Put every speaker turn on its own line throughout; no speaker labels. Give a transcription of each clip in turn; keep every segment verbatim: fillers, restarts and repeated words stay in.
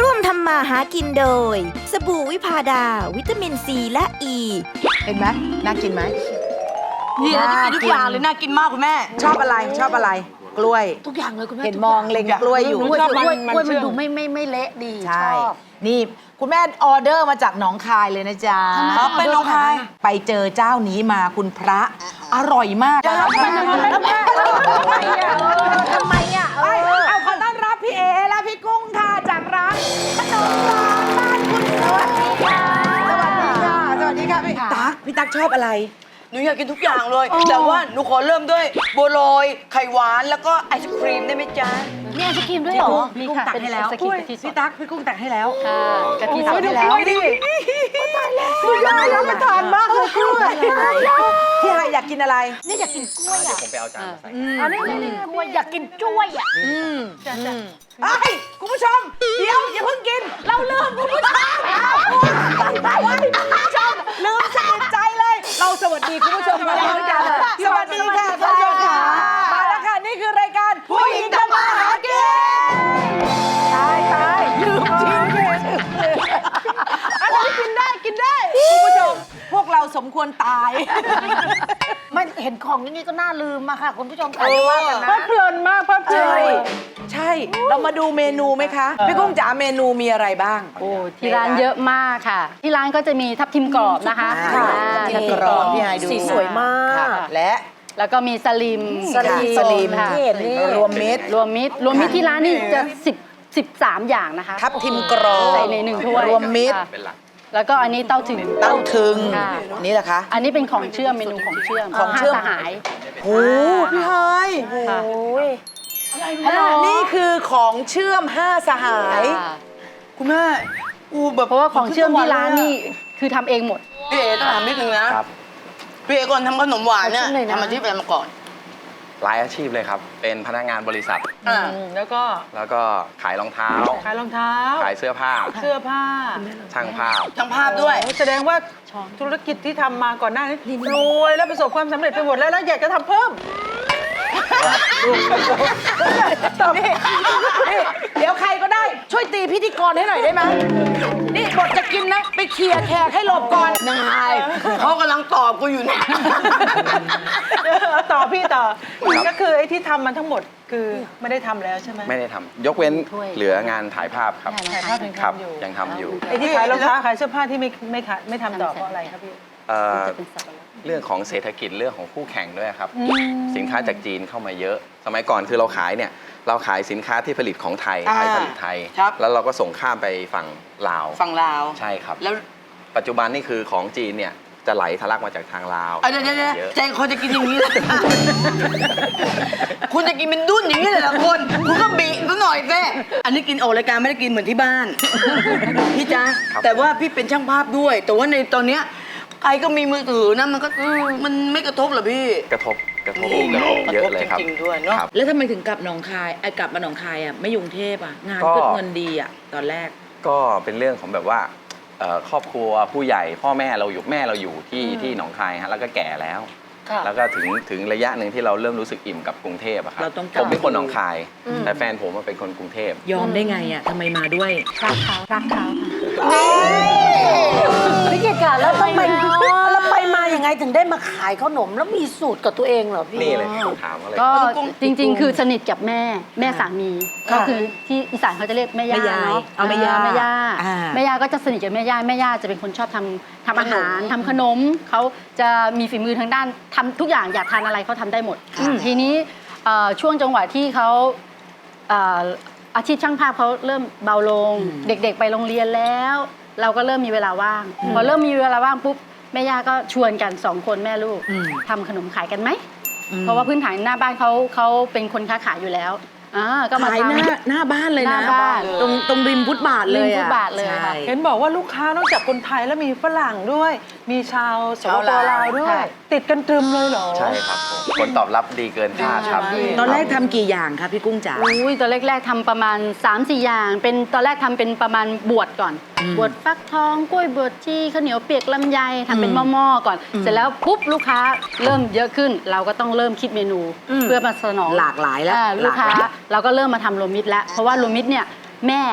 ร่วมทำมาหากินโดยสบู่วิพาดาวิตามินซีและอ e.
เห็นไหมน่ากินไหม
นี่น่ากินทุกอย่างเลยน่ากินมากคุณแม่
ชอบอะไรชอบอะไรกล้วย
ทุกอย่างเลยคุณแม่
เห็นมองเล็งกล้วยอยู่
กล้วยกล้วยกล้วยมันดูไม่ไม่ไม่เละดีช
ใช่
อบ
นี่คุณแม่ออเดอร์มาจากหนองคายเลยนะจ๊ะ
อ๋อเป็นหนองคาย
ไปเจอเจ้านี้มาคุณพระอร่อยมาก
ทำไมอ่ะทำไมอ่ะ
ไปเอาขอต้อนรับพี่เอและพี่กุ้งค่ะจากร้านขนมหวานบ้านคุณสวัสดีค่ะสวัสดีค่ะสวัสดีค่ะพี่ตั๊กพี่ตั๊กชอบอะไร
หนูอยากกินทุกอย่างเลย แต่ว่าหนูขอเริ่มด้วยบัวลอยไข่หวานแล้วก็ไอศครีมได้ไหมจ๊ะ
มีไอศกรีมด้วยเหรอ
พี่กุ้งตักให้แล้ว
เป็นไอศกรีมกะทิสด
พี่ตั๊กพี่กุ้งตักให้แล้ว
ค่ะกะทิส
โอ้
ด
ยดู
ให้
ก
แล้ว
ล้วยดิตายแล้วสุดยอดรับประทานมากเลยกล้วยพี่ไฮอยากกินอะไร
นี่อยากกินกล้วยอ่ะ
ผมไปเอาจานมาใส่
อันนี้นี่กล้วยอยากกินกล้วยอ่ะ
ไอ้ยคุณผู้ชม เดี๋ยวอย่าเพิ่งกิน เราลืมคุณผู้ชมไปไปคุณผู้ชมลืมสนิทใจเลย เราสวัสดีคุณผู้ชมกันแล้วกันสวัสดีค่ะคุณผู้ชมค่ะมาแล้วค่ะนี่คือรายการผู้หญิงทำมาหากินตายตายลืมจริงเลยอันนี้กินได้กินได้คุณผู้ชมพวกเราสมควรตาย
ไม่เห็นของอย่างนี้ก็น่าลืมมาค่ะคุณผู้ชมค่ะว่ากันนะ
เพลินมากเพลินใช่ใช่ เรามาดูเมนูไหมคะ พี่กุ้งจ๋าเมนูมีอะไรบ้าง
โอ้ที่ร้านเยอะมากค่ะ ที่ร้านก็จะมีทับทิมกรอบนะคะ
ค่ะ
อ่า
ทับทิมกรอบพี่ไฮดู
สีสวยมาก
ค่ะและ
แล้วก็มีสลิม
สลิม
ค่ะ
สลิม
ค่ะ
ที่เห็นนี่
รวมมิตร
รวมมิตรรวมมิตรที่ร้านนี่จะสิบสิบสามอย่างนะคะ
ทับทิมกรอบ
ใส่ในหนึ่งถ้วย
รวมมิตร
ค่ะ
เป็นหลัก
แล้วก็อันนี้เต้าถึง
เต้าถึง
ค่ะ
นี่แหละคะ
อันนี้เป็นของเชื่อมเมนูของเชื่อม
ของเชื่อม
ห้าสหาย
โอ้พี่ไฮ
ค่ะ
นี่คือของเชื่อมห้าสหาย
ค่ะ
คุณแม่อูแบบ
เพราะว่าของเชื่อมที่ร้านนี่คือทำเองหมด
พี่เอ๋ต้องถามนิดนึงนะครับ พี่เอ๋ก่อนทำขนมหวานเนี่ย
ขอชิมหน่อยนะ
ทำอาชีพอะไรมาก่อน
หลายอาชีพเลยครับ เป็นพนักงานบริษัท
อ่า
แล้วก็
แล้วก็ขายรองเท้า
ขายรองเท้า
ขายเสื้อผ้า
เสื้อผ้า
ช่างภาพ
ช่างภาพด้วย
โอ้แสดงว่าธุรกิจที่ทำมาก่อนหน้านี้รวยแล้วประสบความสำเร็จไปหมดแล้วแล้วอยากจะทำเพิ่ม
ตอบนี่นี่เดี๋ยวใครก็ได้ช่วยตีพิธีกรให้หน่อยได้ไหมนี่บทจะกินนะ ไปเคลียร์แขกให้หลบก่อน
นายเขากำลังตอบกูอยู่เนี่ย
ต่อพี่ต่อ ก็คือไอ้ที่ทำมันทั้งหมดคือไม่ได้ทำแล้วใช่ไหม
ไม่ได้ทำยกเว้น
ถ้วย
เหลืองานถ่ายภาพครับ
ถ่ายภาพยัง
ครับ
ทำอยู่
ยังทำอยู่
ไอ้ที่ขายรองเท้าขายเสื้อผ้าที่ไม่ไม่ขายไม่ทำต่อเพราะอะไรครับพี่
เอ่อ
จะเป็นสับปะรด
เรื่องของเศรษฐกิจเรื่องของคู่แข่งด้วยครับ สินค้าจากจีนเข้ามาเยอะ สมัยก่อนคือเราขายเนี่ยเราขายสินค้าที่ผลิตของไทย
อ่า
ไทยผลิตไทย
ครับ
แล้วเราก็ส่งข้ามไปฝั่งลาว
ฝั่งลาว
ใช่ครับ
แล้ว
ปัจจุบันนี่คือของจีนเนี่ยจะไหลทะลักมาจากทางลาว
อ่ะเดี๋ยวเดี๋ยวเดี๋ยว
เยอะ
ใจคอจะกินอย่างนี้เลย คุณจะกินเป็นดุ้นอย่างนี้เลยเหรอคนคุณก็บีซะหน่อยแม่อันนี้กินออกรายการไม่ได้กินเหมือนที่บ้าน พี่จ๊ะแต่ว่าพี่เป็นช่างภาพด้วย แต่ว่าในตอนเนี้ยใครก็มีมือถือนะมันก็อืมมันไม่กระทบเหรอพี่
กระทบกระทบกระทบเยอะเลยครับ
จริงๆด้วยเนาะ
ครับ
แล้วทำไมถึงกลับหนองคายไอ้กลับมาหนองคายอ่ะไม่ยุงเทพอ่ะงาน
ก็
ก็เงินดีอ่ะตอนแรก
ก็เป็นเรื่องของแบบว่าเอ่อครอบครัวผู้ใหญ่พ่อแม่เราอยู่แม่เราอยู่ที่ที่หนองคายฮะแล้วก็แก่แล้ว แล้วก็ถึงถึงระยะหนึ่งที่เราเริ่มรู้สึกอิ่มกับกรุงเทพอะครับ
เราต้องกลับ
ผมเป็นคนหนองคาย แต่แฟนผมอะเป็นคนกรุงเทพ
ยอมได้ไงอ่ะทำไมมาด้วย
รักเขารักเขาค่ะ
พี่เกดค่ะแล้วทำไมแล้วไปมายังไงถึงได้มาขายขนมแล้วมีสูตรกับตัวเองเหรอพี่
นี่เลยคำถามก็เลย
ก็จริงๆ คือสนิทกับแม่แม่สามีก็คือที่อีสานเขาจะเรียกแม่ย่า
แม่ยาย
เนาะ
เอาแม่ย่า
แม่ย่า
อ่า
แม่ย่าก็จะสนิทกับแม่ย่าแม่ย่าจะเป็นคนชอบทำทำอาหารทำขนมเขาจะมีฝีมือทางด้านทำทุกอย่างอยากทานอะไรเขาทำได้หมด ทีนี้เอ่อช่วงจังหวะที่เขาเอ่ออาชีพช่างภาพเขาเริ่มเบาลง เด็กๆ ไปโรงเรียนแล้ว เราก็เริ่มมีเวลาว่าง พอเริ่มมีเวลาว่างปุ๊บแม่ย่าก็ชวนกันสองคนแม่ลูก
อืม
ทำขนมขายกันไหม เพราะว่าพื้นฐานหน้าบ้านเขาเขาเป็นคนค้าขายอยู่แล้วอ่าก็มา
ขาย
ทำ
หน้าหน้าบ้านเลย
ห
นะ
น้าบ้าน
ตรงตรงริมฟุตบาทเลย
ริมฟุ
อะ
ตบาทเลยค่ะ
ใช่
เห็นบอกว่าลูกค้านอกจากคนไทยแล้วมีฝรั่งด้วย มีชาวสปปลาวด้วย ติดกันตรึมเลยเหรอ
ใช่ครับผมผลตอบรับดีเกินคาดครับ
ตอนแรกทำกี่อย่างคะพี่กุ้งจ๋า
อุ้ยตอนแรกๆทำประมาณ สามสี่ อย่าง เป็นตอนแรกทำเป็นประมาณบวชก่อน
อืม
บวชฟักทองกล้วยบวชชีข้าวเหนียวเปียกลำไยทำเป็น
อืม
หม้อๆก่อน เสร็จแล้วปุ๊บลูกค้าเริ่มเยอะขึ้น เราก็ต้องเริ่มคิดเมนู
อืม
เพื่อมาสนอง
หลากหลายแล้ว
อ่ลูกค้า
หลากหลาย
เราก็เริ่มมาทำโรวมมิตรแล้วเพราะว่าโรวมมิตรเนี่ยแม่เนี่ยเข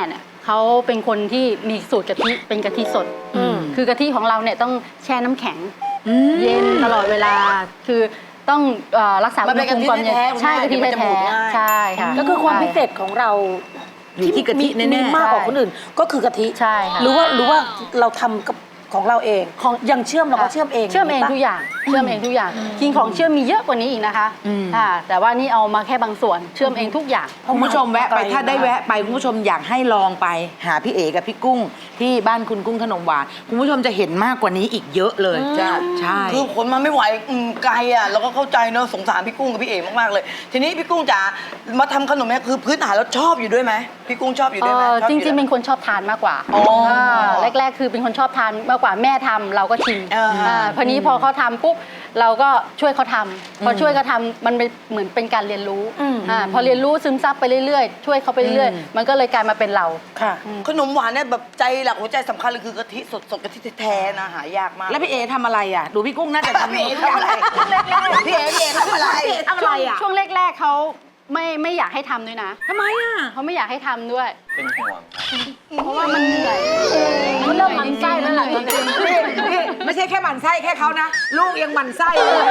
เขาเป็นคนที่มีสูตรกะทิเป็นกะทิสดคือกะทิของเราเนี่ยต้องแช่น้ำแข็งเย็นตลอดเวลาคือต้องเอ่อรักษาอุณหภูมิก่อนเย็นใช่กะทิแท้ๆใช่ค่ะ
ก็คือความพิเศษของเรา
อยู่ที่กะทิ
มี
แน่
มีมากกว่าคนอื่นก็คือกะทิ
ใช่ค่ะ
หรือว่าหรือว่าเราทำกับของเราเองของอย่างเชื่อมเราก็เชื่อมเอง
เชื่อมเอง
ปะ
ทุกอย่างเชื่อมเองทุกอย่างจริงของเชื่อมมีเยอะกว่านี้อีกนะคะอ่าแต่ว่านี่เอามาแค่บางส่วนเชื่อมเองทุกอย่าง
คุณผู้ชมแวะไปถ้าได้แวะไปคุณผู้ชมอยากให้ลองไปหาพี่เอกับพี่กุ้ง ที่บ้านคุณกุ้งขนมหวานคุณผู้ชมจะเห็นมากกว่านี้อีกเยอะเลยจ้าใช่
คือขนมาไม่ไหวอืมไกลอ่ะเราก็เข้าใจเนอะสงสารพี่กุ้งกับพี่เอ๋มากๆเลย ทีนี้พี่กุ้งจ๋ามาทำขนมเนี่ยคือพื้นฐานแล้วชอบอยู่ด้วยไหมพี่กุ้งชอบอยู่ด้วยไหม
เอ่อ
ชอบ
จ
อยู่
ริงๆ
ด้วย
เป็นคนชอบทานมากกว่า
อ๋ออ่
าแรก ๆ คือเป็นคนชอบทานมากกว่าแม่ทำเราก็ชิม
เอออ่
าพอนี้พอเขาทำปุ๊บเราก็ช่วยเขาทำพอช่วยเขาทำมันเป็นเหมือนเป็นการเรียนรู้อ่าพอเรียนรู้ซึมซับไปเรื่อยๆ ช่วยเขาไปเรื่อยๆ มันก็เลยกลายมาเป็นเรา
ค่ะ
ขนมหวานเนี่ยแบบใจหลักหัวใจสำคัญเลยคือกะทิสดๆกะทิแท้ๆนะหายากมาก
แล้วพี่เอทำอะไรอ่ะ ดูพี่กุ้งน่าจะทำ
พี่เอ๋ทำอะไรพี่เอ๋พี่เอ๋ทำอะไร
ทำอะไรอ่ะ
ช่วงแรก ๆเขาไม่ไม่อยากให้ทำด้วยนะ
ทำไมอ่ะ
เขาไม่อยากให้ทำด้วย
เป็นห่วงครับ
เพราะว่ามันเหนื่อย
มันเริ่มมันไส้แล้วล่ะ
จริงๆ
นี่นี่ไม่ใช่แค่หมั่นไส้แค่เขานะ ลูกยังหมั่นไส้เลย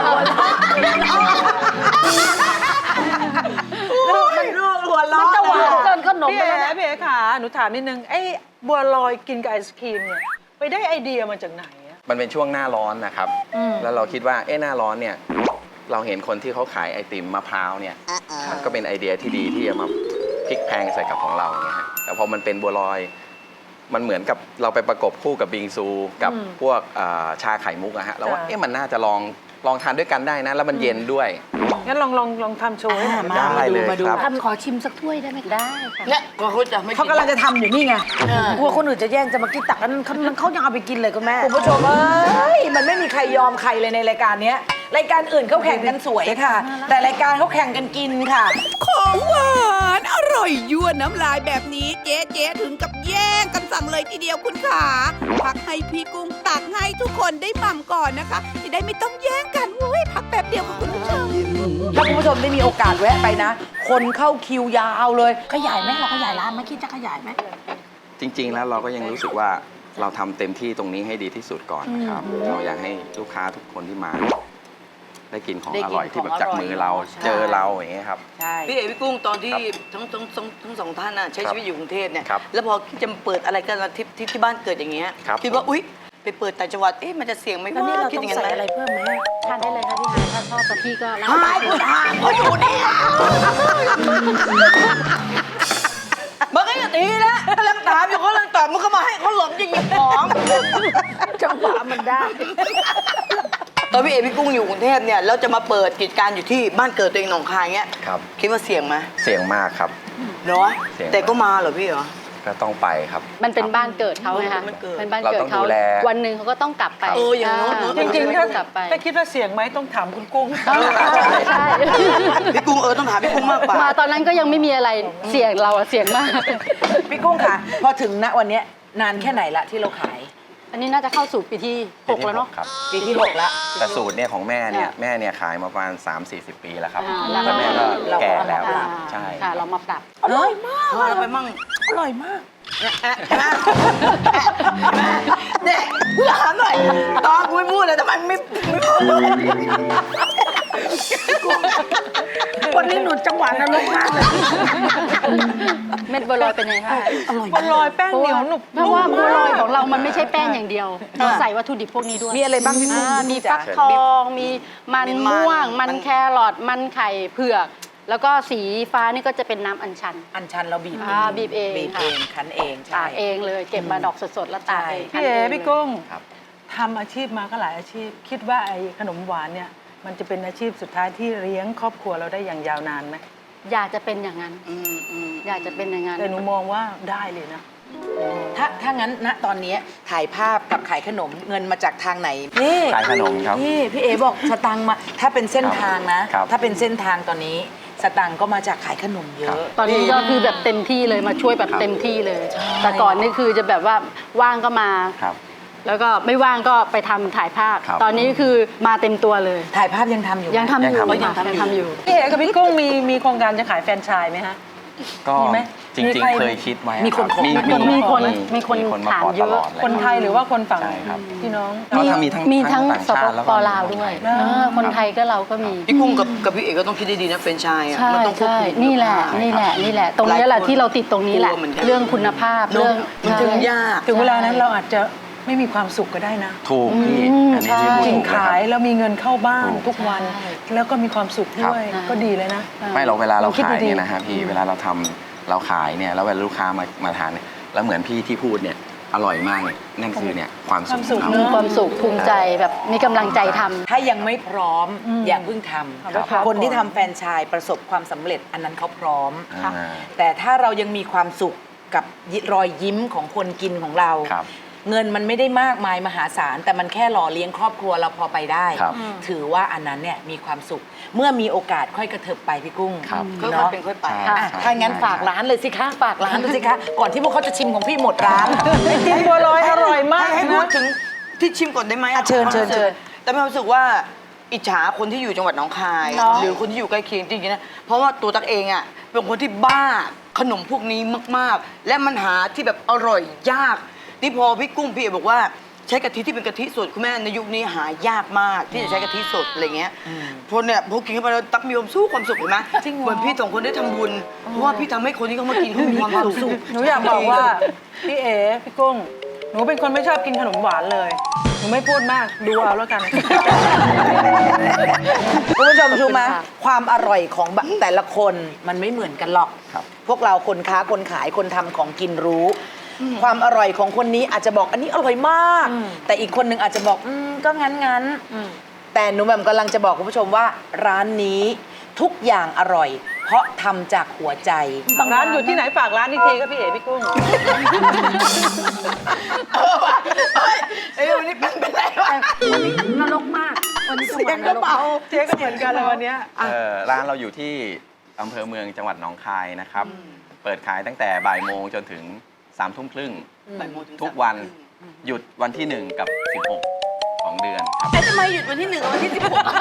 ลูกมันลูกหัวล้อ
มันจะหวานเกินขนม
พี่
ไป
เอ๋
แล้วนะ
พี่เอ๋ค่ะหนูถามนิดนึงไอ้บัวลอยกินกับไอศครีมเนี่ยไปได้ไอเดียมาจากไหนอะ
มันเป็นช่วงหน้าร้อนนะครับ แล้วเราคิดว่าเอ๊ะหน้าร้อนเนี่ย เราเห็นคนที่เขาขายไอติมมะพร้าวเนี่ย มันก็เป็นไอเดียที่ดีที่จะมาพลิกแพลงใส่กับของเราเนี่ยฮะแต่พอมันเป็นบัวลอย มันเหมือนกับเราไปประกบคู่กับบิงซูกับพวกเอ่อชาไข่มุกอะฮะเราว่าเอ๊ะมันน่าจะลองลองทานด้วยกันได้นะ แล้วมันเย็นด้วย
งั้นลองลองลองทำโชว์ให้หน่อย
มา
ได้เลย
มาดู
ครับ
ทำขอชิมสักถ้วยได้ไหมคะ
ได้ค่ะ
เนี่ยก็เขาจะไม่
เขากำลังจะทำอยู่นี่ไง
กลัวคนอื่นจะแย่งจะมากินตักกันเขาเขายังเอาไปกินเลยคุณแม่
คุณผู้ชมเอ้ยมันไม่มีใครยอมใครเลยในรายการเนี้ยรายการอื่นเขาแข่งกันสวยค่ะ แต่รายการเขาแข่งกันกินค่ะ
ของหวานอร่อยยั่วน้ำลายแบบนี้เจ๊เจ๊ถึงกับแย่งกันสั่งเลยทีเดียวคุณขาพักให้พี่กุ้งตักให้ทุกคนได้หม่ำก่อนนะคะจะได้ไม่ต้องแย่งกันเว้ยพักแป๊บเดียวค่ะคุณผู้ชม
ถ้าคุณผู้ชมได้มีโอกาสแวะไปนะ คนเข้าคิวยาวเลย
ขยายไหมเราขยายร้านไหมคิดจะขยายไหม
จริง ๆ แล้วเราก็ยังรู้สึกว่าเราทำเต็มที่ตรงนี้ให้ดีที่สุดก่อนนะครับ เราอยากให้ลูกค้าทุกคนที่มา ได้กินของ
ได้
อ
กิน
ร่อยที่แบบ
ของอร่อย
จากมือเรา
ใช่
เจอเราอย่างเงี้ยครับ
ใช่
พี่เอ๋พี่กุ้งตอนที่
ครับ
ทั้งทั้งทั้งทั้งสองท่านน่ะใช้
ครับ
ชีวิตอยู่กรุงเทพเนี่ย
ครับ
แล้วพอจะมาเปิดอะไรกันที่ที่ที่บ้านเกิดอย่างเงี้ย
ครับ
คิดว่าอุ๊ยไปเปิดต่างจังหวัดเอ๊ะมันจะเสี่ยงไหม
แล้วนี่เรา
คิด
ต้
อ
อย่าง
นั้น
ใส่
ไหม
อะไรเพิ่มไหม
ทานได้เลยค่ะพี่ฮายถ้าชอบกะทิก็รับ
หายกูถามเขาอยู่เนี่ยมันก็อย่างนี้นะกำลังถามอยู่เขากำลังตอบมันก็มาให้เขาหลบจะหยิบของ
จังหวะมันได้
ตอนพี่เอ๋พี่กุ้งอยู่กรุงเทพเนี่ยแล้วจะมาเปิดกิจการอยู่ที่บ้านเกิดตัวเองหนองคายเงี้ย
ครับ
คิดว่าเสี่ยงไหม
เสี่ยงมากครับ
เนาะ
เสี่ยง
แต่ก็มาเหรอพี่เหรอ
ก็ต้องไปครับ
มันเป็นบ้านเกิดเขาไงคะ
มันเกิด
เป็นบ้าน
เรา
เกิด
ต้อง
เขา
ดูแล
วันหนึ่งเขาก็ต้องกลับไป
เอออย่างโน้นเนอะ
จริงๆ
ถ้า
ถ้าก
ลับไป
ถ้าคิดว่าเสี่ยงไหมต้องถามคุณกุ้ง
ใช่ใช่
พี่กุ้งเออต้องถามพี่กุ้งมากกว่า
มาตอนนั้นก็ยังไม่มีอะไรเสี่ยงเราอะเสี่ยงมาก
พี่กุ้งค่ะ พอถึงณวันเนี้ยนานแค่ไหนละที่เราขาย
อันนี้น่าจะเข้าสู่ปีที่หกแล้วเนาะ
ครับ
ปีที่หกละ
แต่สูตรเนี่ยของแม่เนี่ย
ค่ะ
แม่เนี่ยขายมาประมาณ สามสี่สิบ ปีแล้วครับ
อ่า
แล้วแม่ก็
เราก็
แก่แล้ว
อ่า
ใช่
ค่ะ เรามาปรับ
อร่อยมาก
พอเราไปมั่ง
อร่อยมาก
เนี่ยกูถามหน่อยตอนกูไม่พูดเลยทำไมไม่ไม่พูด
วันนี้หนูจังหวะนรกมากเลย
เม็ดบัวลอยเป็นไงคะ
บัวลอยแป้งเหนียวหนุบ
เพราะว่าบัวลอยของเรามันไม่ใช่แป้งอย่างเดียว เราใส่วัตถุดิบพวกนี้ด้วย
มีอะไรบ้างพี่กุ้ง
อ่ามีฟักทอง มีมันม่วง มันแครอท มันไข่เผือก แล้วก็สีฟ้านี่ก็จะเป็นน้ำอัญชัน
อันชันเราบีบ
อ่าบีบเอง
บีบ
ค่ะ
เองคั้นเองใช่
ตากเองเลย เก็บมาดอกสดๆ แล้วตากเอง
พี่เอ๋
ทำง
พี่กุ้ง
ครับ
ทำอาชีพมาก็หลายอาชีพ คิดว่าไอ้ขนมหวานเนี่ยมันจะเป็นอาชีพสุดท้ายที่เลี้ยงครอบครัวเราได้อย่างยาวนานไหม
อยากจะเป็นอย่างนั้น อยากจะเป็นอย่างนั้น
แต่หนูมองว่าได้เลยนะ
ถ้าถ้างั้นณตอนนี้ถ่ายภาพกับขายขนมเงินมาจากทางไหนนี่
ขายขนมครับ
นี่พี่เอบอกสตังค์มา ถ้าเป็นเส้นทางนะ
ครับ
ถ้าเป็นเส้นทางตอนนี้ สตังค์ก็มาจากขายขนมเยอะ
ตอนนี้ก็คือแบบเต็มที่เลยมาช่วยแบบ
ครับ
เต็มที่เลย แต่ก่อนนี่คือจะแบบว่าว่างก็มา
ครับ
แล้วก็ไม่ว่างก็ไปทำถ่ายภาพ
ครับ
ตอนนี้คือมาเต็มตัวเลย
ถ่ายภาพยังทำอยู่ไหม
ยังทำอยู่
ยังทำอยู่
ยังทำอยู่
พี่เอ๋กับพี่กุ้งมีมีโครงการจะขายแฟรนไชส์ไหมฮะ
ก็
มีไหม
จริ
มี
ง
ใคร
ๆเคยคิดไว้
มีคน
รับ
ขอ
มี
มีคน
มี
มีคน
มีคนมา
ถาม
ขอ
เย
ต
อะ
ลอดเลย
คนไทยหรือว่าคนฝั่ง
ใช่ครับ
พี่น้อง
ก็ถ้ามีทั้ง
มีทั้ง
ต่าง
ส
ชา
ป
ติแล้ว
ป
ก็
ลาวด้วย
คนไทย
เออคนไทยก็เราก็มี
พี่กุ้งกับกับพี่เอกก็ต้องคิดดีๆนะเฟรนไชส์อ่ะ
ใช่
มันต้องควบ
ใช่
คุม
นี่แหละ
คุณภาพ
นี่แหละนี่แหละ ตรงนี้แหละ
หลายคน
ที่เราติดตรงนี้แหละ
กลัวเหมือนกัน
เรื่องคุณภาพ
เนอะ
เรื่อง
มันถึง
ใช่
ยาก
ถึงเวลานั้นเราอาจจะไม่มีความสุขก็ได้นะ
ถูกพี่
อืม
อันนี้ที่
ใช่
พูด
กิน
ถูกเลยค
ขา
รับ
ยแล้วมีเงินเข้าบ้าน
ถูก
ทุกวัน
ใช่
แล้วก็มีความสุขด้วย
ครับ
ก็ดีเลยนะ
ไม่เราเวลาเรา
คิด
ขาย
ดีๆ
เนี่ยนะฮะพี่เวลาเราทำเราขายเนี่ยแล้วเวลาลูกค้ามามาทานเนี่ยแล้วเหมือนพี่ที่พูดเนี่ยอร่อยมากเนี่ยนั่นคือเนี่ยความสุข
ความสุข
ของ
มี
เรา
ความสุขภูมิใจแบบมีกำลังใจทำ
ถ้ายังไม่พร้อม
อืม
อย่าเพิ่งท
ครับ
ำคนที่ทำแฟรนไชส์ประสบความสำเร็จอันนั้นเขาพร้อม
อ่า
แต่ถ้าเรายังมีความสุขกับรอยยิ้มของคนกินของเรา
ครับ
เงินมันไม่ได้มากมายมหาศาล แต่มันแค่หล่อเลี้ยงครอบครัวเราพอไปได้
ครับ
ถือว่าอันนั้นเนี่ยมีความสุข เมื่อมีโอกาสค่อยกระเถิบไปพี่กุ้ง
ครับ
ค่อย
เนาะ
ๆเป็นค่อยไป
ใช่
อ่ะถ้างั้นฝากร้านเลยสิคะฝากร้านเลยสิคะก่อนที่พวกเขาจะชิมของพี่หมดร้าน
ไอติมบัวลอยอร่อยมาก
ให้ให้พู
นะ
ดถึงที่ชิมก่อนได้ไหม
อ่ะเชิญเชิญเชิญ
แต่มีความรู้สึกว่าอิจฉาคนที่อยู่จังหวัดหนองคาย
เนาะ
หรือคนที่อยู่ใกล้เคียงจริงๆนะเพราะว่าตัวตักเองอ่ะเป็นคนที่บ้าขนมพวกนี้มากๆ และมันหาที่แบบอร่อยยากที่พอพี่กุ้งพี่เอกบอกว่าใช้กะทิที่เป็นกะทิสดคุณแม่ในยุคนี้หายากมากที่จะใช้กะทิสดอะไรเงี้ยพอเนี่ยพอกินเข้าไปแล้วตักมีความสู้ความสุขเห็นไหมเหมือนพี่สองคนได้ทำบุญเพราะว่าพี่ทำให้คนที่เขามากินเขามีความสุข
หนูอยากบอกว่าพี่เอ๋พี่กุ้ง หนูเป็นคนไม่ชอบกินขนมหวานเลย หนูไม่พูดมากดูเอาแล้วกัน
คุณผู้ชมรู้ไหม
ขอบคุณค่ะ
ความอร่อยของบะแต่ละคนมันไม่เหมือนกันหรอก
ครับ
พวกเราคนค้าคนขายคนทำของกินรู้ ความอร่อยของคนนี้อาจจะบอกอันนี้อร่อยมาก แต่อีกคนหนึ่งอาจจะบอกอืมก็งั้นงั้นๆแต่หนูแหม่มกำลังจะบอกคุณผู้ชมว่าร้านนี้ทุกอย่างอร่อย เพราะทำจากหัวใจ
ร้านอยู่ที่ไหนฝากร้านอีกทีก็พี่เอ๋พี่กุ้ง
เออว่ะเฮ้ยเอ้ยวันนี้เป็นเป็นไรวะ
นรกมากวันนี้จังห
เสี
วั
ย
ด
ง
น
กระ
รก
เป๋า
เจ๊ก็เหมือนกันเลยวันเนี้ย
เอ่อร้านเราอยู่ที่อำเภอเมืองจังหวัดหนองคายนะครับ เปิดขายตั้งแต่บ่ายโมงจนถึงสามทุ่มครึ่ง
บ่ายโมงถึง
ทุกวันหยุดวันที่หนึ่งกับสิบหกของเดือนครับ
ไอ้ทำไมหยุดวันที่หนึ่งกับวันที่สิบหก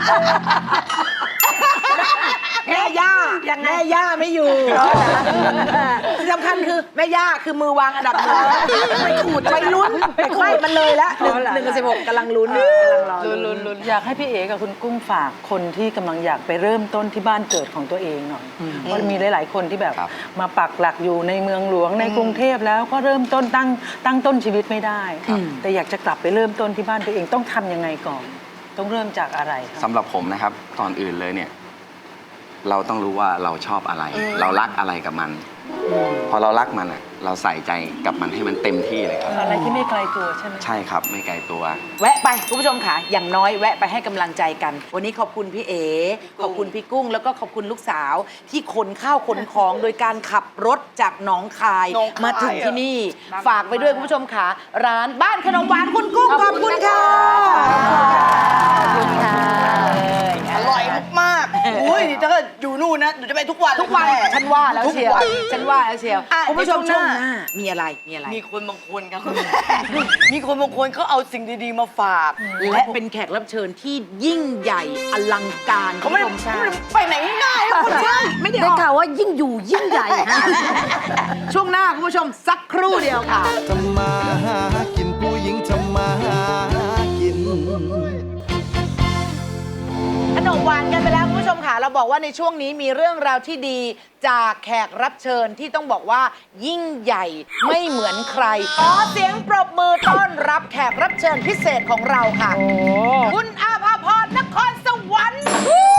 แม่ย่าแม่ย่าไม่อยู่ที่สำคัญคือแม่ย่าคือมือวางอันดับหนึ่งไปขูดไปลุ้นไปขูดมันเลยละหนึ่งหนึ่งกับสิบหกกำลังลุ้นกำลังรอลุ้น
อยากให้พี่เอ๋กับคุณกุ้งฝากคนที่กำลังอยากไปเริ่มต้นที่บ้านเกิดของตัวเองหน่อยเพราะมีหลาย ๆ คนที่แบบ
ครับ
มาปักหลักอยู่ในเมืองหลวงในกรุงเทพแล้วก็เริ่มต้นตั้งตั้งต้นชีวิตไม่ได้ แต่อยากจะกลับไปเริ่มต้นที่บ้านตัวเองต้องทำยังไงก่อน ต้องเริ่มจากอะไรครับ
สำหรับผมนะครับก่อนอื่นเลยเนี่ย เราต้องรู้ว่าเราชอบอะไร เรารักอะไรกับมัน พอเรารักมันอ่ะ เราใส่ใจกับมันให้มันเต็มที่เลยครับ
อะไรที่ไม่ไกลตัวใช่ไหม
ใช่ครับไม่ไกลตัว
แวะไปคุณผู้ชมค่ะอย่างน้อยแวะไปให้กำลังใจกัน วันนี้ขอบคุณพี่เอขอบคุณพี่กุ้ง แล้วก็ขอบคุณลูกสาว ที่ขนข้าวขนของโดยการขับรถจากหนองคาย
หนองคาย
มาถึงที่นี่ ฝากไปด้วยคุณผู้ชมค่ะ ร้านบ้านขนมหวานคุณกุ้งขอบคุณค่ะ
ขอบคุณค่ะ
อร่อยมากๆอุ้ยถ้าเกิดอยู่นู่นนะหนูจะไปทุกวัน
ทุกวัน
แม่
ฉันว่าแล้ว
ทุก
เชียว
วัน
ฉันว่าแล้วเชียว
อ่ะ
คุณผู้ชม
เดี๋
ช่
ยว ว
ง
ช่วง
ห
ห
น้า
น้า
มีอะไรมีอะไร
มีคนบางคนครับ มีคนบางคนเขาเอาสิ่งดีๆมาฝาก
และเป็นแขกรับเชิญที่ยิ่งใหญ่อลังการ
เขาไม่ได้
คุณผู้ช
ไม่ได้ไปไหนง่ายๆนะคนใช่
ไม่ได้
ได้
ออก
ข่าวว่ายิ่งอยู่ยิ่งใหญ่ฮะ
ช่วงหน้าคุณผู้ชมสักครู่เดียวค่ะ
ทำมาหากินผู้หญิงทำมาหากิน
ขนมหวานกันไปแล้วคุณผู้ชมค่ะเราบอกว่าในช่วงนี้มีเรื่องราวที่ดีจากแขกรับเชิญที่ต้องบอกว่า ยิ่งใหญ่ไม่เหมือนใครขอเสียงปรบมือต้อนรับแขกรับเชิญพิเศษของเราค่ะ คุณอาภาพรนครสวรรค์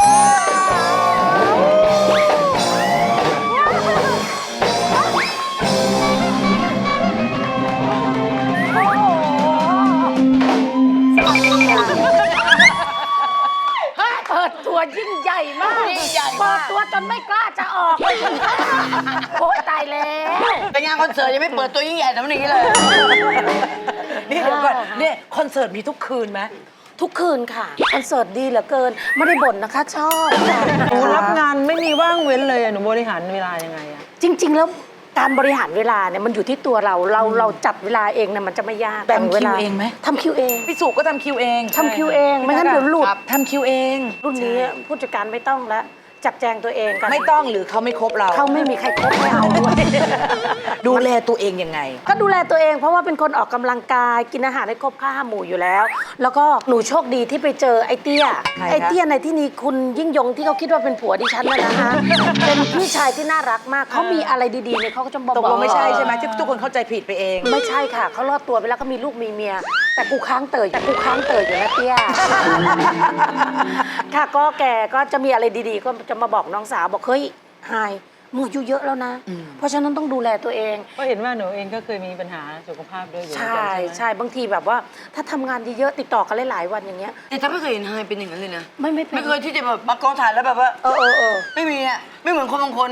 เปิดตัวยิ่งใหญ่มาก
ยิ่งใหญ่มาก
เปิดตัวจนไม่กล้าจะออกเลยโอ้ยตายแล้ว
ไปงานคอนเสิร์ตยังไม่เปิดตัวยิ่งใหญ่แต่วันนี้เลย
นี่เดี๋ยวก่อนเนี่ยคอนเสิร์ตมีทุกคืนไหม
ทุกคืนค่ะคอนเสิร์ตดีเหลือเกิน ไม่ได้บ่นนะคะ ชอบค่ะ
หนูรับงานไม่มีว่างเว้นเลยอะหนูบริหารเวลายังไงอะ
จริง ๆ แล้วการบริหารเวลาเนี่ยมันอยู่ที่ตัวเราเราเราจัดเวลาเองเนี่ยมันจะไม่ยาก
แบ่ง
เว
คิ
ลาว
เองไหม
ทำคิวเอง
พี่สุก็ทำคิวเอง
ทำคิวเองไม่งั้นเดี๋ยวหลุด
ทำคิวเอง
รุ่นนี้ผู้จัดการไม่ต้องแล้วจัดแจงตัวเองกัน
ไม่ต้องหรือเขาไม่คบเรา
เขาไม่มีใครคบไม่เอาด้วย
ดูแลตัวเองยังไง
ก็ดูแลตัวเองเพราะว่าเป็นคนออกกำลังกายกินอาหารให้ครบห้าหมู่อยู่แล้ว แล้วก็หนูโชคดีที่ไปเจอไอ้เตี้ย
ใครคะ
ไอ้เตี้ยในที่นี้คุณยิ่งยงที่เขาคิดว่าเป็นผัวดิฉันนะนะคะ เป็นพี่ชายที่น่ารักมากเขามีอะไรดีๆเนี่ยเขาก็จะบอก
ตกลงไม่ใช่ใช่ไหมที่ทุกคนเข้าใจผิดไปเอง
ไม่ใช่ค่ะเขารอดตัวไปแล้วก็มีลูกมีเมีย แต่กูค้างเตยแต่กูค้างเตยอยู่นะเตี้ย ค่ะก็แกก็จะมีอะไรดีๆ ก็จะมาบอกน้องสาวบอกเฮ้ยไฮมึงอายุเยอะแล้วนะ เพราะฉะนั้นต้องดูแลตัวเอง
ก็เห็นว่าหนูเองก็เคยมีปัญหาสุขภาพด้วยอยู่เหมือน
ใช่
กันใช่ไหม
ใช่บางทีแบบว่าถ้าทำงานเยอะๆติดต่อกันหลายๆวันอย่างเงี้ย
แต่ถ้าไม่เคยเห็นไฮเป็นอย่างนั้นเลยนะ
ไม่ไม่เป็น
ไม่เคยที่จะแบบมากองถ่ายแล้วแบบว่า
เออเออเออ
ไม่มีอ่ะ ไม่เหมือนคนบางคน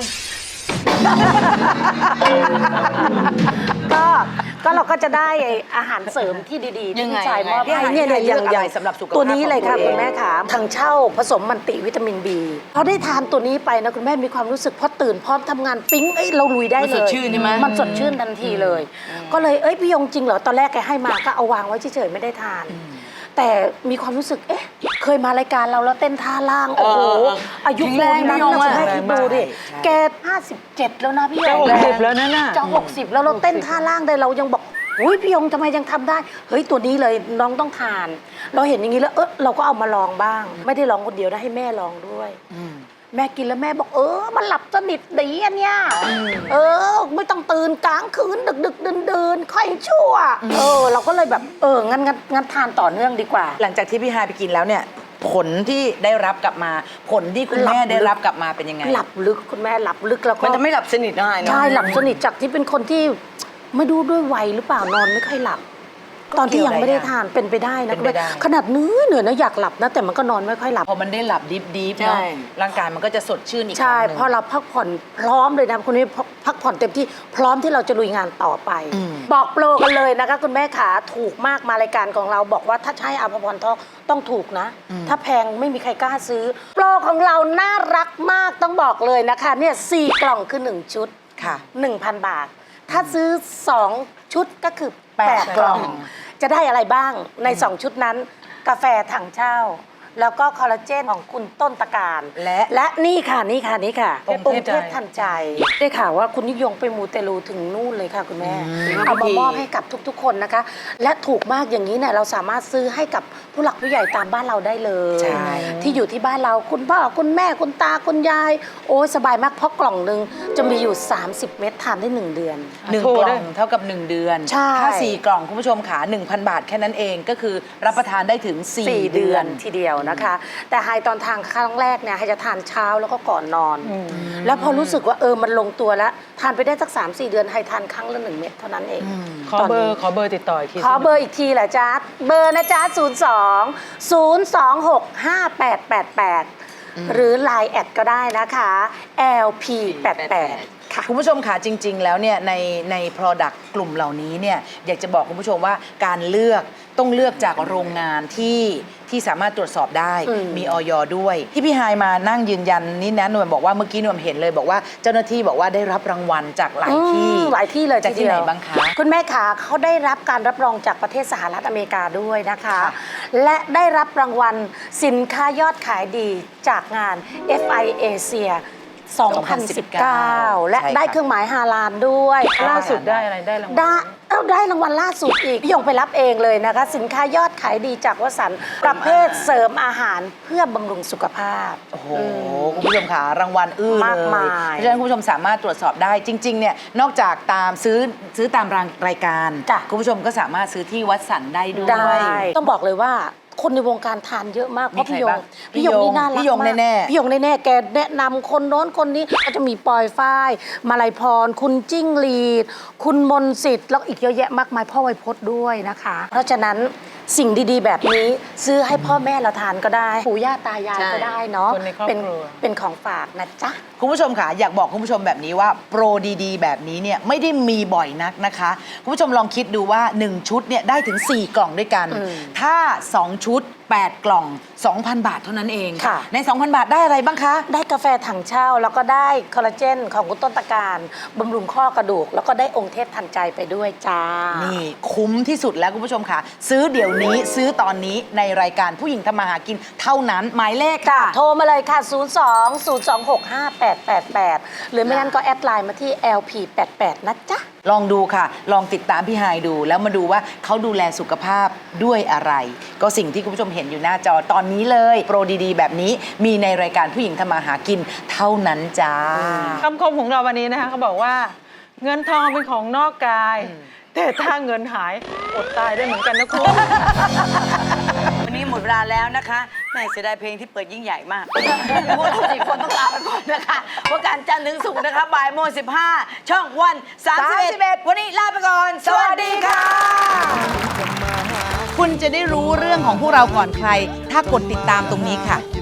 ก็ก็เราก็จะได้ไอ้อาหารเสริมที่ดีๆที่
ยังไง
พี่ชายมอบ
ยังไง
ให้เนี่ยเนี่ย
ยังไง
เลือก
ใหญ่
เอา
สำหรับสุขภาพ
ตัวนี้เลยค่ะ
ของตัวเอง
คุณแม่ขาทางเช่าผสมมันติวิตามินบีพอได้ทานตัวนี้ไปนะคุณแม่มีความรู้สึกพอตื่นพร้อมทำงานปิ๊งเอ้ยเราลุยได้
มัน
เล
สด
ย
ชื่นใช่ไหม
มันสดชื่นทันทีเลย ก็เลยเอ้ยพี่ยงจริงเหรอตอนแรกแกให้มาก็เอาวางไว้เฉยๆไม่ได้ทาน แต่มีความรู้สึกเอ๊ะเคยมารายการเราแล้วเต้นท่าล่างโอ้โห
เออเออ
อายุ
แข็งแรง
ปูนนั้น
พี่ยง
นะ
อะ
คุณแม่คิดดูดิ
ใช่
แกห้าสิบเจ็ดแล้วนะพี่ย
จะ
ง
หกสิบแล้วนั่นน่ะ
จะหกสิบแล้วเราเต้นท่าล่างได้เรายังบอกอุ้ยพี่ยงทำไมยังทำได้ เฮ้ยตัวนี้เลยน้องต้องทาน เราเห็นอย่างนี้แล้วเออเราก็เอามาลองบ้าง ไม่ได้ลองคนเดียวนะให้แม่ลองด้วย แม่กินแล้วแม่บอกเออมันหลับสนิทดีอันเนี้ยเออ ไม่ต้องตื่นกลางคืนดึกดึกเดินเดินค่อยชั่วเออ เราก็เลยแบบเอองั้นงั้นงั้นทานต่อเนื่องดีกว่า
หลังจากที่พี่ไฮายไปกินแล้วเนี่ย ผลที่ได้รับกลับมา ผลที่คุณแม่ได้รับกลับมาเป็นยังไง
หลับลึกคุณแม่หลับลึกแล้วก็
มันจะไม่หลับสนิทได้เนอะ
ใช่หลับสนิทจากที่เป็นคนที่ไม่ดูด้วยวัยหรือเปล่านอนไม่ค่อยหลับ ตอนที่ยังไม่ได้ทานเป็นไปได้นะ
เป็นไปได้
ขนาดเนื้อเหนื่อยนะอยากหลับนะแต่มันก็นอนไม่ค่อยหลับ
พอมันได้หลับดิฟดิฟ
ใช่
เนาะร่างกายมันก็จะสดชื่นอีกค
ใช่
รั้งหนึ่ง
พอเราพักผ่อนพร้อมเลยนะคุณนี่พักผ่อนเต็มที่พร้อมที่เราจะลุยงานต่อไป
อืม
บอกโปรกันเลยนะคะคุณแม่ขาถูกมากมารายการของเราบอกว่าถ้าใช้อาภพรทองต้องถูกนะ ถ้าแพงไม่มีใครกล้าซื้อ โปรของเราน่ารักมากต้องบอกเลยนะคะเนี่ยสี่กล่องคือหนึ่งชุด
ค่ะ
หนึ่งพัน บาท ถ้าซื้อสองชุดก็คือแปด
แปด
กล่อง
กล่อง
จะได้อะไรบ้างในสองชุดนั้น กาแฟถังเช่า แล้วก็คอลลาเจนของคุณต้นตะการ
และ
และนี่ค่ะนี่ค่ะนี่ค่ะ
องค์
อง
เท
ค์
พ
เทพทันใจ ได้ข่าวว่าคุณนิยงไปมูเตลูถึงนู่นเลยค่ะคุณแม่ เอามามอบให้กับทุกๆ คนนะคะ และถูกมากอย่างนี้เนี่ยเราสามารถซื้อให้กับผู้หลักผู้ใหญ่ตามบ้านเราได้เลย
ใช่
ที่อยู่ที่บ้านเราคุณพ่อคุณแม่คุณตาคุณยาย โอ้ยสบายมากเพราะกล่องหนึ่งจะมีอยู่ สามสิบ เม็ดทานได้หนึ่งเดือน
หนึ่ง
โทร
ก
ได้
ล่องเท่ากับ หนึ่ง เดือน
ใช่
ถ้าสี่กล่องคุณผู้ชมขา1,000 บาทแค่นั้นเองก็คือรับประทานได้ถึง
สี่
4
เดื
เดื
อ
อน น
ทีเดียวนะคะ แต่ไฮตอนทานครั้งแรกเนี่ยไฮจะทานเช้าแล้วก็ก่อนนอน แล้วพอรู้สึกว่าเออมันลงตัวแล้ว ทานไปได้สัก สามสี่ เดือนไฮทานครั้งละหนึ่งเม็ดเท่านั้นเอง
ขอเบอร์ขอเบอร์ติดต่ออีกที
ขอเบอร์อีกทีแหละจ๊ะเบอร์นะจ๊ะศูนย์ สอง ศูนย์ สอง หก ห้า แปด แปด แปด หรือ ไลน์ แอดก็ได้นะคะ แอล พี แปด แปด ค่ะ
คุณผู้ชมค่ะจริง ๆ แล้วเนี่ยในใน Product กลุ่มเหล่านี้เนี่ยอยากจะบอกคุณผู้ชมว่าการเลือกต้องเลือกจากโรงงานที่ที่สามารถตรวจสอบได้
อืม
มีออยด้วย ที่พี่ไฮายมานั่งยืนยันนี่นะหน่วยบอกว่าเมื่อกี้หน่วยเห็นเลยบอกว่าเจ้าหน้าที่บอกว่าได้รับรางวัลจากหลายที่
อืมหลายที่เลย
จากที่
ที
ไหน
เดียว
บ้างคะ
คุณแม่ขาเขาได้รับการรับรองจากประเทศสหรัฐอเมริกาด้วยนะคะ
ค่ะ
และได้รับรางวัลสินค้ายอดขายดีจากงาน เอฟ ไอ Asia สองพันสิบเก้า และ
ใช่
ได้
ค่ะ
เครื่องหมายฮาลาลด้วย
ล่าสุดได้อะไรได้รางวัล
ได้เอ้าได้รางวัลล่าสุดอีกพี่ยงไปรับเองเลยนะคะ สินค้ายอดขายดีจากวสันต์ประเภทเสริมอาหารเพื่อบำรุงสุขภาพ
โอ้โหคุณผู้ชมค่ะรางวัลอื้อเลย
มากมาย
เพราะฉะนั้นคุณผู้ชมสามารถตรวจสอบได้จริงๆเนี่ยนอกจากตามซื้อซื้อตามรายการ
จ้ะ
คุณผู้ชมก็สามารถซื้อที่วัดสันได้ด้วย
ได้ต้องบอกเลยว่าคนในวงการทานเยอะมากเพราะ
มี
พี่
ใคร
ยง
บ้าง
พี่ยงนี่น่ารัก
พี่ยง
มาก
แน่ๆ
พี่ยงแน่ๆแกแนะนำคนโน้นคนนี้ก็จะมีปอยฝ้ายมาลัยพร คุณจิ้งหรีด คุณมนต์สิทธิ์แล้วอีกเยอะแยะมากมายพ่อไวยพจน์ด้วยนะคะ เพราะฉะนั้นสิ่งดีๆ แบบนี้ซื้อให้พ่อแม่เราทานก็ได้ปู่ย่าตายาย
ใช่
ก็ได้เนาะ
คนในครอบ
เป็น
ครัว
เป็นของฝากนะจ๊ะ
คุณผู้ชมค่ะอยากบอกคุณผู้ชมแบบนี้ว่าโปรดีๆ แบบนี้เนี่ยไม่ได้มีบ่อยนักนะคะ คุณผู้ชมลองคิดดูว่า หนึ่ง ชุดเนี่ยได้ถึง สี่ กล่องด้วยกัน ถ้า สอง ชุด แปด กล่อง สองพัน บาทเท่านั้นเอง
ค่ะ
ใน สองพัน บาทได้อะไรบ้างคะ
ได้กาแฟถังเช่าแล้วก็ได้คอลลาเจนของคุณต้นตะการบำรุงข้อกระดูก แล้วก็ได้องค์เทพทันใจไปด้วยจ้า
นี่คุ้มที่สุดแล้วคุณผู้ชมค่ะ ซื้อเดี๋ยวนี้ซื้อตอนนี้ในรายการผู้หญิงทำมาหากินเท่านั้นหมายเลขค่ะ
โทรมาเลยค่ะ ศูนย์ สอง ศูนย์ สอง หก ห้า แปด แปด แปด หรือไม่งั้นก็แอดไลน์มาที่ แอล พี แปด แปด นะจ๊ะ
ลองดูค่ะ ลองติดตามพี่ไฮายดู แล้วมาดูว่าเขาดูแลสุขภาพด้วยอะไร ก็สิ่งที่คุณผู้ชมเห็นอยู่หน้าจอตอนนี้เลย โปรดีๆ แบบนี้มีในรายการผู้หญิงทำมาหากินเท่านั้นจ้า
คำคมของเราวันนี้นะคะเขาบอกว่า เงินทองเป็นของนอกกาย แต่ถ้าเงินหายอดตายได้เหมือนกันนะคุณ
วันนี้หมดเวลาแล้วนะคะแม่เสียดายเพลงที่เปิดยิ่งใหญ่มากพวกเราสี่คนต้องลาไปก่อนนะคะเพราะการจันทร์ถึงศุกร์นะคะบ่ายโมงสิบห้าช่องวันสามสิบเอ็ดวันนี้ลาไปก่อน สวัสดีค่ะ
คุณจะได้รู้เรื่องของพวกเราก่อนใคร ถ้ากดติดตามตรงนี้ค่ะ